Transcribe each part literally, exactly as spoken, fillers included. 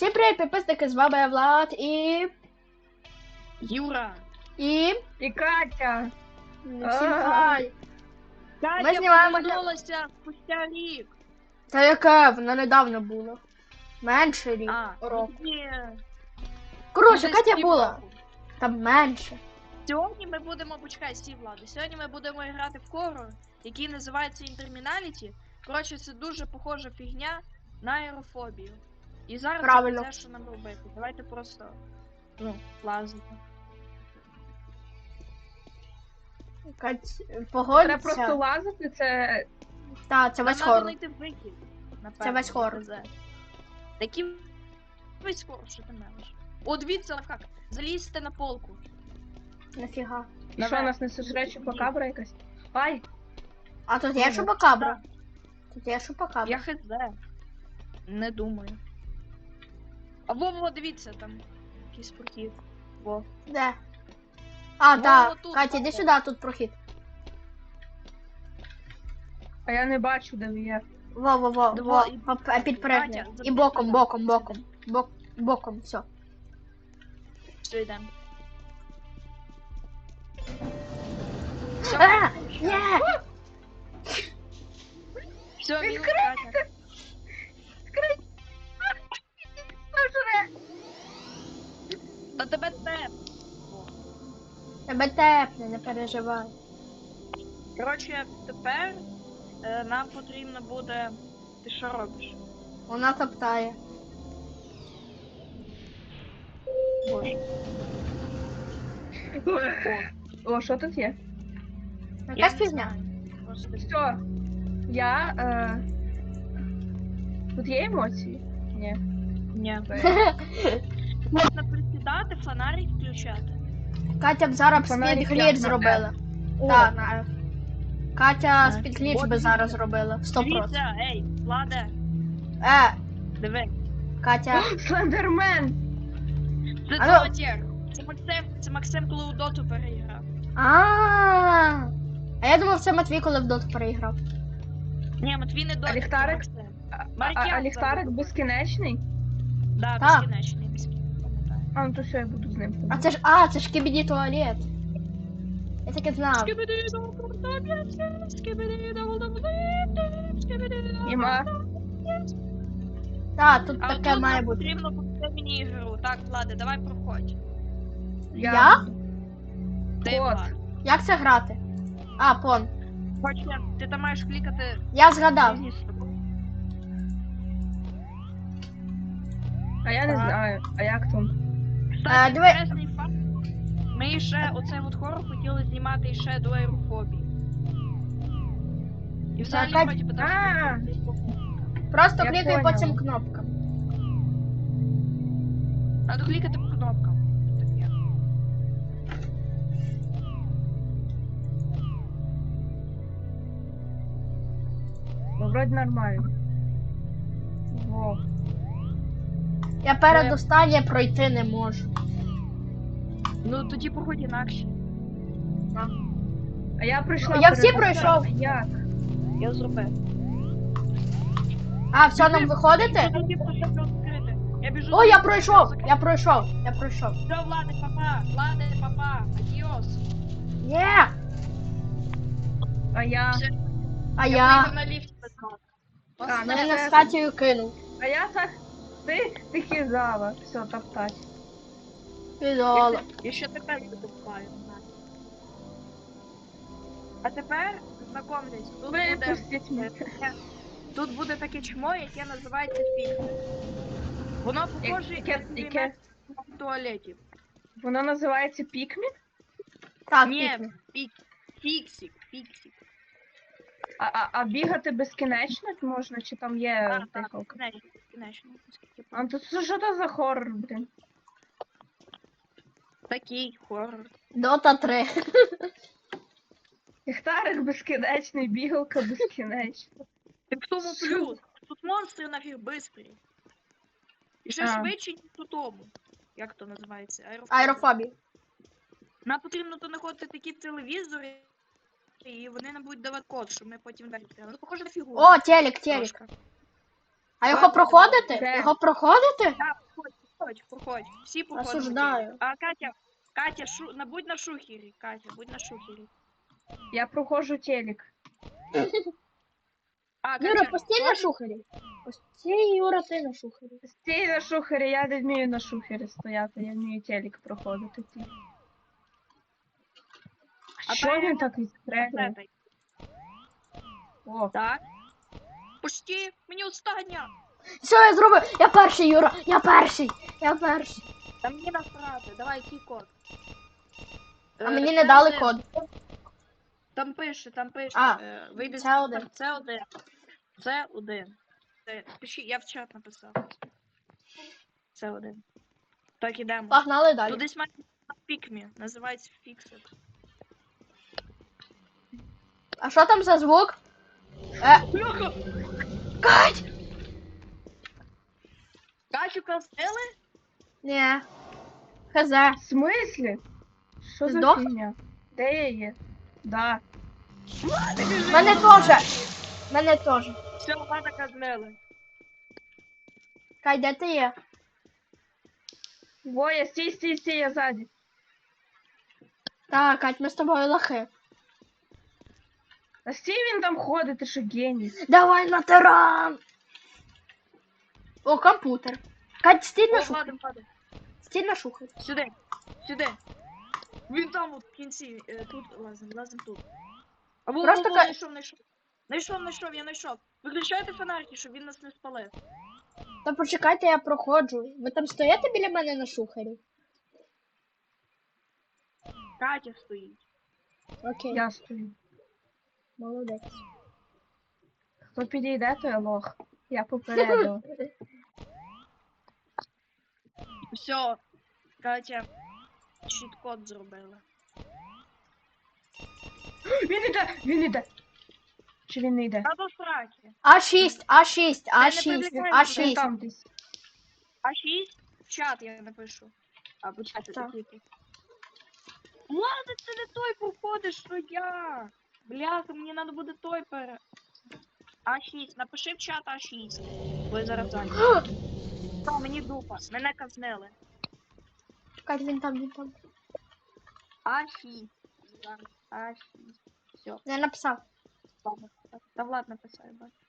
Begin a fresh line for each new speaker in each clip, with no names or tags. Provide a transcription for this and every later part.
Всім привіт, підписники, з вами Влад і...
Юра.
І...
І Катя.
Всім хай.
Катя
Ми знімаємо...
повернулася спустя рік.
Та яке, вона недавно була. Менше рік,
А,
рок.
ні.
Коротше,
Десь
Катя
півроку.
була. Там менше.
Сьогодні ми будемо, почекай, стій, Влади. Сьогодні ми будемо грати в хоррор, який називається Interminality. Коротше, це дуже похожа фігня на аерофобію. І зараз
Правильно.
це те, що нам робити. Давайте просто, ну, лазити.
Кать,
Треба
погодься.
просто лазити, це...
Та, це
Нам
весь
треба
хоррор.
знайти вихід.
Це весь хоррор.
Такий весь хоррор, що ти мелиш. О, дивіться, як. Залізьте на полку.
Нафіга.
І що, нас не сожре чупакабра якась? Ай!
А тут є
Ага.
шупакабра? Тут є шупакабра.
Я хз. Не думаю. А во, во, дивіться, там якийсь прохід. Во.
Де? А,
Во,
так.
отут,
Катя, іди
во.
сюди, тут прохід.
А я не бачу, де ви є.
Во, во, во,
Да
во,
во, і-
поп- е, підпригни.
Катя,
І
забери
боком,
сюди.
боком, боком. Бок, боком, все.
Все, йдемо.
А, ні!
Все, мінус
Відкрийте!
Катя.
Сожре!
Та тебе те.
Тебе тепне, не переживай.
Коротше, тепер е, нам потрібно буде. Ти що робиш?
Вона топтає.
Боже.
О, що тут є?
Якась
не
фігня.
знаю. Просто
Все. Я... Е... Тут є емоції? Ні.
ні.
Це-
Можна присідати, фонарик включати.
Катя б зараз
Фонарик
спід
як
гліч
на
зробила.
О,
Так, на F. Катя
На
спід
F.
гліч
От
би зараз
дивіться.
зробила. Сто процентів.
Дивіться, ей, Владе,
Е,
диви.
Катя.
Слендермен!
Це
Алло.
Золотєр. Це Максим, це Максим, коли у доту переіграв.
А. А я думав, це Матвій, коли в доту переіграв.
Ні, Матвій не доту, це
ліхтарик?
Максим.
А, а,
Маркян
а ліхтарик
забув.
безкінечний?
Да,
Так.
безкінечний, безкінечний, пам'ятаю.
А, ну то все, я буду з ним.
А це ж. А, це ж кібіді туалет. Я таке знав.
Іма.
Так, тут
А
таке
отут
має
нам
бути.
потрібно буде міні-ігру. Так, Влади, давай проходь.
Я?
буду.
Ти,
Кот.
Влад.
Як це грати? А, пон.
Хочеш, ти там маєш клікати
Я згадав.
різні сторони.
А я не
Так.
знаю. А як там?
Е,
Кстати,
диви-
інтересний факт. Ми ще оцей от хорор хотіли знімати ще до аерофобії. І взагалі,
Кать-
вроді би,
А.
там...
Просто
Я
клікай по
поняла.
цим кнопкам.
Надо клікати по кнопкам. Таке.
Ну, вроді нормально. Во.
Я передостаннє пройти не можу.
Ну тоді проходь інакше.
А я пройшла.
Я всі
передостаннє.
пройшов.
Як?
Я зробив.
А, все, нам виходити?
Тоді просто відкрити. Я біжу.
О, я пройшов! Я пройшов, я пройшов.
Все, Влади, папа, Влади, папа, адіос.
Є!
А я.
Все,
А
я
я.
вийду на ліфті без вас.
А, ну
Мене
все.
з Катєю кинув.
А я так. Ти, ти хизала. Все, топтать.
Підола.
Я ще тепер викупаю. А тепер знакомтесь, тут буде,
Випустіть мене.
таке- тут буде таке чмо, яке називається фіксик. Воно похоже
Яке-
як
яке?
в туалеті.
Воно називається Пікмін?
Так,
Ні,
пікни.
фік, фіксик, фіксик.
А, а, а бігати безкінечно можна, чи там є
Так, так,
дихалка?
безкінечно, безкінечно, наскільки
А то це що то за хоррор, блін?
Такий хоррор.
Дота три.
Ліхтарик безкінечний, бігалка безкінечна.
І в тому плюс. Тут монстри нафіг бистрі. І ще
А.
швидше, ніж у тому. Як то називається? Аерофобія.
Аерофобія.
Нам потрібно то знаходити такі телевізори, і вони нам будуть давати код, щоб ми потім далі відкрили. Ну, похоже на фігуру.
О, телек, телек.
Трошки.
А його
Ладно,
проходити?
де?
Його проходити?
Так, проходь, проходь. Всі проходять.
Осуждаю.
А Катя, Катя, шу... на, будь на шухері, Катя, будь на шухері.
Я проходжу телек.
А,
Юра,
Катя,
постій на
теж?
шухері. Постій, Юра, ти на шухері.
Стій на шухері, я не вмію на шухері стояти, я вмію телек проходити ті.
А
Що
та
він
я-
так відстрелює?
Етай.
О,
Так. Пусти, мені остання.
Все, я зробив. Я перший, Юра. Я перший. Я перший.
Та мені насрати, давай який код.
А
Е,
мені
це
не дали
один.
код.
Там пише, там пише.
А,
е, вийди з
це
чата,
один.
Це один. Це один. Це, пиши, я в чат написав. Це один. Так, ідемо.
Погнали
Тут
далі.
десь має пікмі, називається фіксит.
А що там за звук? Е,
Бляха!
Кать!
Катю казали?
Ні. Хз.
в смислі? Що
Ти
за
здох?
фігня? Де я є? Да.
Мене теж. Мене теж.
Все, мене казнили.
Кать, де ти є?
Воя, стій, стій, стій, я ззаді.
Так, Кать, ми з тобою лохи.
А стій він там ходить, ти що геній.
Давай на таран! О, комп'ютер. Кать, стій на
О,
шухері.
Владим, Владим.
Стій на шухері.
Сюди, сюди. Він там от в кінці, е, тут лазим, лазим тут. Або
Просто
Просто
ка-
знайшов, знайшов. Знайшов, знайшов, я знайшов. Виключайте фонарики, щоб він нас не спалив.
Та почекайте, я проходжу. Ви там стоїте біля мене на шухері?
Катя стоїть.
Окей,
Я стою.
молодець.
Хто підійде, то я лох. Я попередила.
Все, Катя, чіт-код зробила.
Він іде, він іде. Чи він не йде?
Та до сраки.
А шість, А шість, А
не
шість,
привлікай
А
мене.
Він
шість.
там десь.
А шість? В чат я напишу. А, почати
Так.
такі. Ладно, це не той походиш, що я. Бляха, мені треба буде той пере. А шість, напиши в чат А шість. Бо я зараз зайнятий. Та, мені дупа, мене казнили.
Кать, він там, він там.
А шість. Зараз, А шість. Все,
Я написав.
ладно. Та Влад написав, я бачу.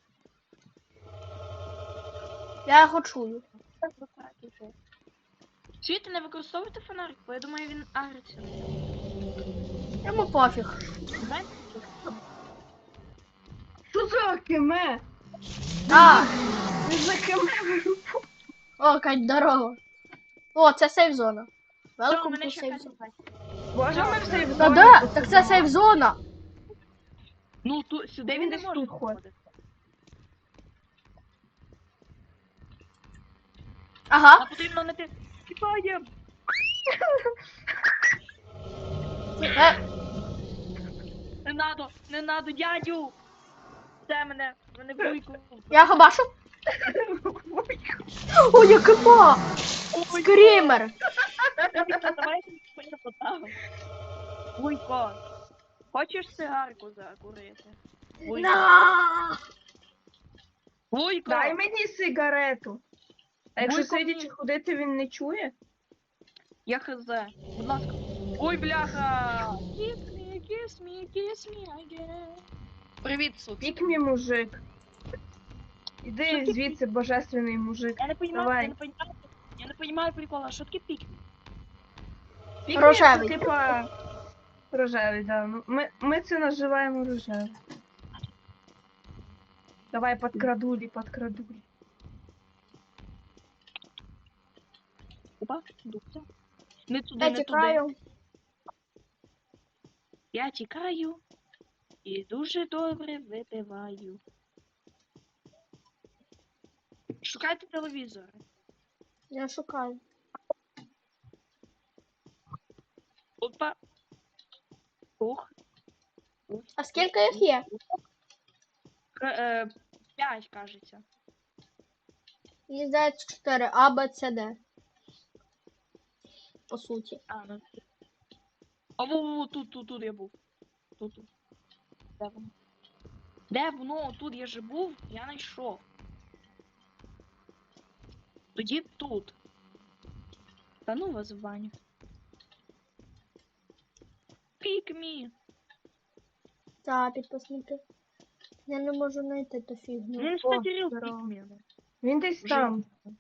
Я його чую.
Так, до сраки вже. Чуєте, не використовуйте фонарик, бо я думаю, він агриться.
Йому пофіг.
Знаєте?
Що за кеме?
А,
Він за кеме.
о, Кать, здорово. О, це сейф зона.
Все,
Welcome
мене
to
ще
сейф
Катя
zone.
бачить.
Боже, ми все в
Та
зоні
де?
тут
Так це
сидимо.
сейф зона.
Ну, ту, сюди
Він
він не
десь
може
тут ходить.
заходити.
Ага.
А потрібно не ти. Тікаєм!
Е,
Не надо, не надо, дядю! Це мене, мене вуйку.
я його бачу. О, я кипа! Скрімер!
Давай я поставимо. Вуйко, хочеш цигарку закурити? Вуйко.
На!
Вуйко!
Дай мені сигарету. А якщо
Вуйко,
сидячи
мені.
ходити, він не чує?
Я хз. Будь ласка. Ой, бляха! Kiss me, kiss me, kiss me again. Привіт, суд.
Пік мій мужик.
Що
Іди
ти
звідси, божественний мужик.
Я не понимаю,
Давай.
я не понимаю. Я не понимаю прикола, що таке пік?
Пік
Рожевий.
це, типа рожевий, да. Ну, Ми, ми це називаємо рожевий. Давай подкрадулі, подкрадулі.
Опа, дубця. Не туди,
Я
не туди.
тікаю.
Я тікаю і дуже добре випиваю. Шукайте телевізор.
Я шукаю.
Опа. Ух.
А скільки їх є?
К- е, П'ять, кажеться.
Мені здається чотири. А, Б, С, Д. По суті.
А, ну. А во, во, тут, тут, тут я був. Тут, тут. Де воно? Де воно? Тут я же був, я знайшов. Тоді тут. Та ну вас в баню. Pick me.
Та, підписники. Я не можу знайти ту фігню.
Ну,
О,
кстати, real
здорово.
pick me.
Він десь
Вже.
там.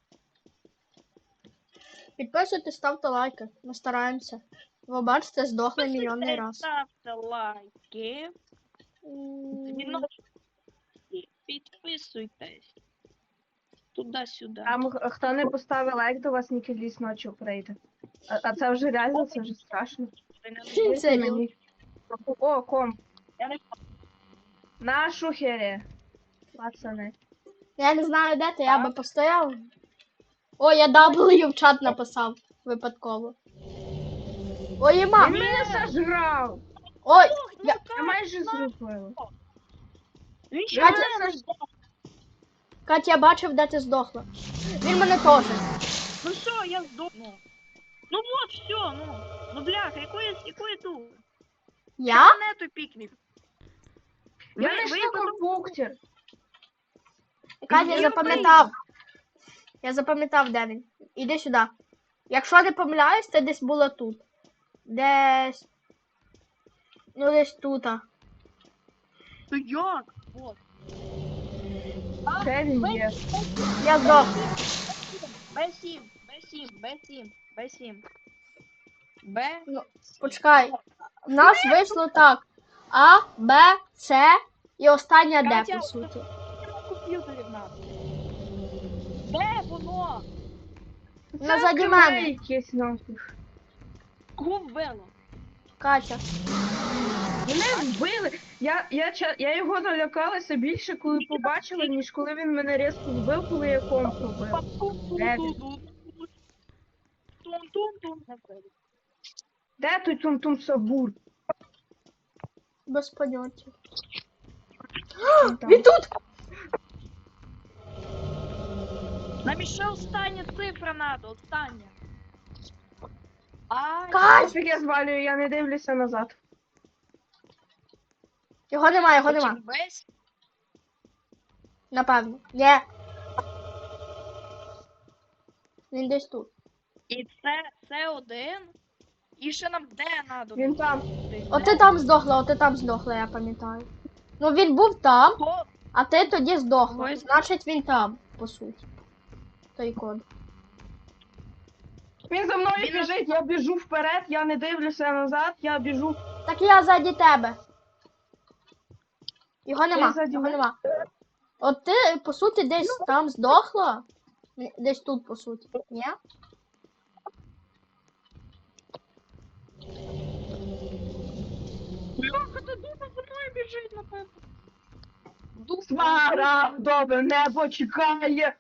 Підписуйтесь, ставте лайки. Ми стараємося. Ви бачите, здохли мільйонний раз.
Ставте лайки.
М,
Дзвіночки. Підписуйтесь. Туди-сюди.
Там х- хто не поставив лайк, до вас Нікеліс ночі прийде. А, а це вже реально, це вже страшно.
Ти не
Це
Вийти
йо.
мені. О, ком.
Я не
На шухері. Пацани.
Я не знаю, де ти, я би постояв. О, я W в чат написав випадково. Ой,
Він
ма!
мене сожрав.
Ой,
Я...
я...
Я майже зробила.
Він ще
Катя,
мене не здав.
Катя, я бачив, де ти здохла. Він мене теж.
Ну що, я здохну. Ну вот, все, ну. Ну бляха, якої, якої тут?
Я?
Мене той пікнік.
Я
Ви-
не
ви
йшла
потім-
компуктер.
Катя, я
Я
запам'ятав. Я запам'ятав, де він. Іди сюди. Якщо не помиляюсь, це десь було тут. Десь. Ну, десь тут. а.
То як? Вот.
Де він є?
Я здох.
Б сім, Б сім, Б сім, Б сім. Б.
Ну, почекай. В нас вийшло так. А, Б, С і остання Д,
Катя,
по суті.
На комп'ютері в нас. Де воно?
Назаді
Це
мене.
якесь нафіг.
Кого вбило?
Катя.
Мене вбили. Я, я, ча- я його налякалася більше, коли побачила, ніж коли він мене різко вбив, коли я комп робив. Де він?
Тум-тум-тум.
Де той тум-тум сабур?
Без поняття.
Він там.
Він тут!
Нам ще остання цифра надо, остання. А,
Кать!
Пофіг, я звалюю, я не дивлюся назад.
Його нема, його нема.
потім весь.
Напевно. Є. Він десь тут.
І це, це один. І ще нам де надо?
Він там.
О, ти там здохла, о, ти там здохла, я пам'ятаю. Ну він був там,
Го-
а ти тоді здохла.
Ой.
Значить він там, по суті. Той код.
Він за мною
Він-
біжить, я біжу вперед, я не дивлюся назад, я біжу.
Так я ззаді тебе. Його нема,
ззаді
його
мене?
нема. От ти, по суті, десь там здохла. Ні, десь тут, по суті. Ні?
Бляха, ти дуже за мною біжить, напевно. Дух
Смарагдове небо чекає.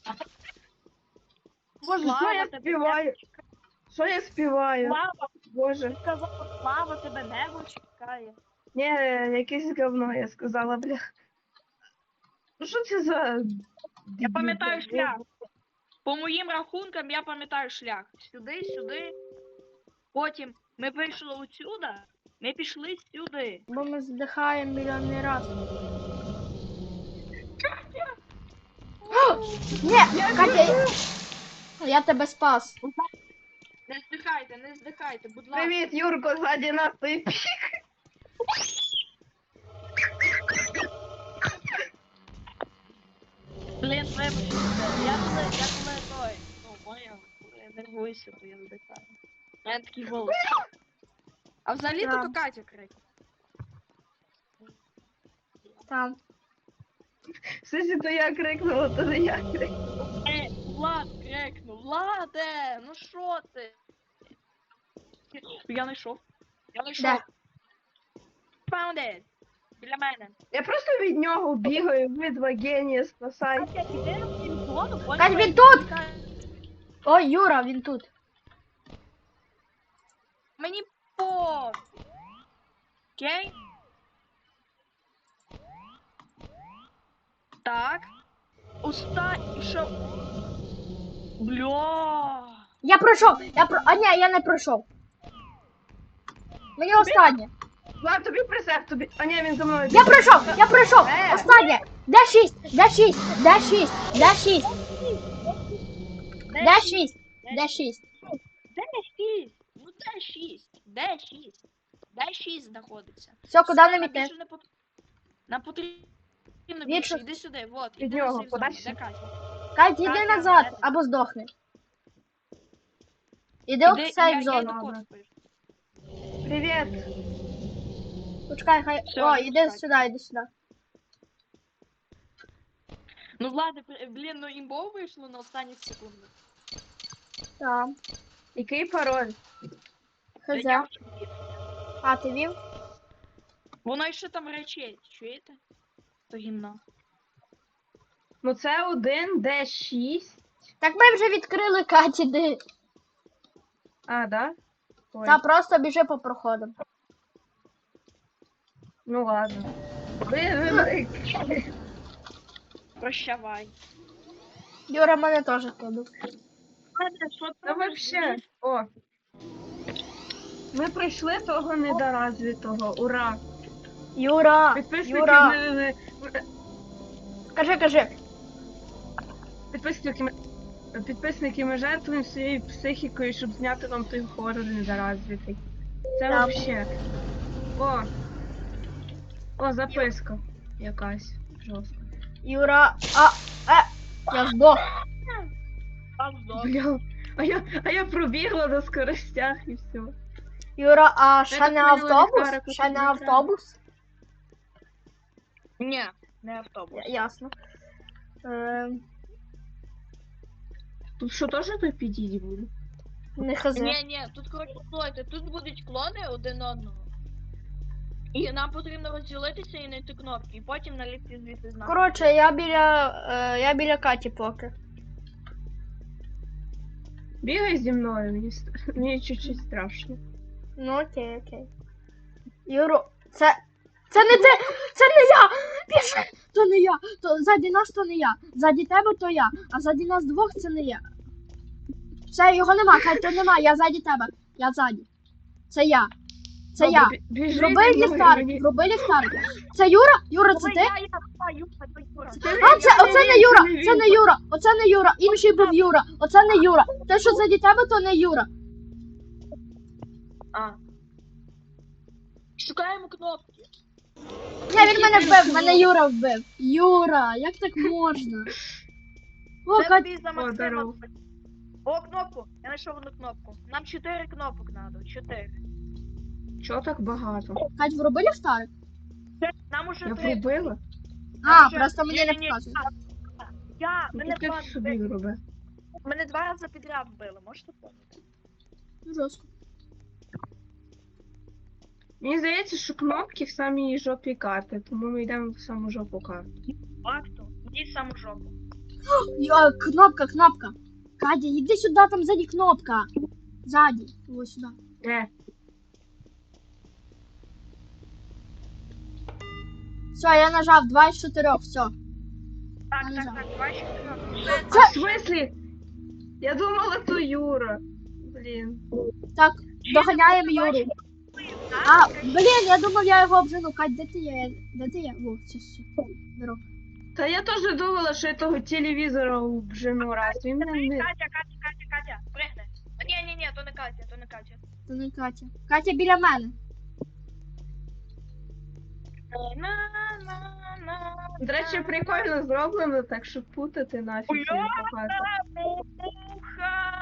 Боже, що
Слава
я
тобі,
співаю? Що я співаю?
Слава,
Боже.
сказала, слава тебе небо чекає.
Ні, якесь говно, я сказала, бля. Ну що це за...
Я пам'ятаю шлях. По моїм рахункам я пам'ятаю шлях. Сюди, сюди. Потім ми вийшли отсюда, ми пішли сюди.
Бо ми здихаємо мільйонний раз. Ні,
Я
Катя,
біжу.
я тебе спас.
Не здихайте, не здихайте, будь ласка.
Привіт, Юрко, ззаді нас той пік.
Блін, вибачте, я коли, я коли той, ну, поняв, коли я нервуюся, то я здихаю. У мене такий голос. А взагалі
Да.
то Катя крик.
Там.
Сусі, то я крикнула, то не я крикнула.
Е, Влад крикнув, Владе, ну що ти? Я знайшов. Я знайшов.
Де?
Found it. Біля мене.
Я просто від нього бігаю, ви два генії, спасай.
Катя, іди на телефону, поняла?
Кать, він тут! Ой, Юра, він тут.
Мені по. Окей? Так. Уста і що? Бля.
Я пройшов! Я про... А ні, я не пройшов. Мені останнє.
Влад, тобі присег, тобі. А ні, він за мною.
Я пройшов! Я пройшов!
Е.
Останнє! Де шість? Де шість? Де шість? Де шість? Де шість? Де шість?
шість? Ну де шість? Де шість? Де шість знаходиться?
Все, куди
Все,
нам
нам
іти?
більше не пот- Нам потрібно
Вічно.
більше. Іди сюди, вот,
Від
іди на
нього,
сейф зону.
подальше.
Де Катя?
Кать, іди
Катя,
назад,
де ти?
або здохни. Іди
Іди,
в
я,
сейф
я
зону.
йду
Ладно.
код спишу.
Привіт.
Почекай, хай.
Всё,
О,
йду
іди
спать.
сюди, іди сюди.
Ну ладно, при- блін, ну імбово вийшло на останніх секундах.
Так.
Який пароль?
Та
Хз.
я вже вів.
А, ти вів?
Воно ще там речить, чуєте? То гімно.
Ну це один, де шість.
Так ми вже відкрили Каті, де.
А, да? Ой.
Та просто біжи по проходам.
Ну ладно. Ви, ви, ви.
Прощавай.
Юра мене теж кладу.
Ладно, що
Та
там
вообще. О. Ми пройшли того недоразвитого. Ура!
Юра!
Підписники
Юра!
ми, ми, ми-
Кажи, кажи.
підписники, ми- підписники ми жертвуємо своєю психікою, щоб зняти вам той хорор недоразвитий. Це
Так.
вообще. О! О, записка якась. Жорстка.
Юра. А, е, я здох.
Там здох.
Бля. А я, а я пробігла на скоростях і все.
Юра, а ще
так
не
поняла,
автобус?
ліхтарик
Ще не
тут не
автобус?
Ні, не автобус.
Я- Ясно. Ем,
Тут що теж той підійді буде?
не хз.
Ні, ні, тут коротше слухайте, тут будуть клони один одного. І нам потрібно розділитися і знайти кнопки, і потім налізти звідси з нами.
Коротше, я біля. Е, я біля Каті поки.
Бігай зі мною, мені, ст- мені чуть-чуть страшно.
Ну окей, окей. Юро, це. Це не ти! Це не я! Біжи! То не я! То ззаді нас то не я. Ззаді тебе то я, а ззаді нас двох це не я. Все, його нема, Кать, то нема, я ззаді тебе. Я ззаді. Це я. Це
Добре,
я.
бі- біжи
Зроби
зі мною,
ліхтарик,
мені-
зроби ліхтарик. Це Юра? Юра, це
Ой,
ти?
я, я, я, Юра, то Юра.
А, це, оце не Юра, це не Юра, оце не Юра, інший був Юра, оце не Юра. Те, що ззаді тебе, то не Юра.
А. Шукаємо кнопки.
Ні, він мене вбив, мене Юра вбив. Юра, як так можна? О,
Це
Кать,
тобі за
О,
Максима.
здорово.
О, кнопку. Я знайшов одну кнопку. Нам чотири кнопок надо. Чотири.
Чого так багато?
Кать, вроби ліхтарик?
Нам уже
Я
три.
пробила?
А,
вже-
просто мені не
Ні-ні-ні.
показує.
Я,
Ну
мене
ти
два,
собі роби.
мене два рази підряд вбили, можете помнити?
Жорстко.
Мені здається, що кнопки в самій жопі карти, тому ми йдемо в саму жопу карти.
Факту. Йди в саму жопу.
Йо, кнопка, кнопка. Катя, іди сюди, там ззаді кнопка. Ззаді, ось сюди.
Е,
Все, я нажав два із чотирьох, все.
Так,
Ну,
так,
да.
так, два ще кнопки.
а в смислі? Я думала, то Юра. Блін.
Так, доганяємо Юру. А, блін, я думав, я його обжену. Кать, де ти є? Де ти є? Во, все, все. Здоров.
Та я теж думала, що я того телевізора обжену раз. Він мене не...
Катя, Катя, Катя, Катя, пригни. А, ні, ні, ні, то не Катя, то не Катя.
Це не Катя. Катя біля мене.
На-на-на.
До речі, прикольно зроблено, так що путати нафіг це не багато.
Муха!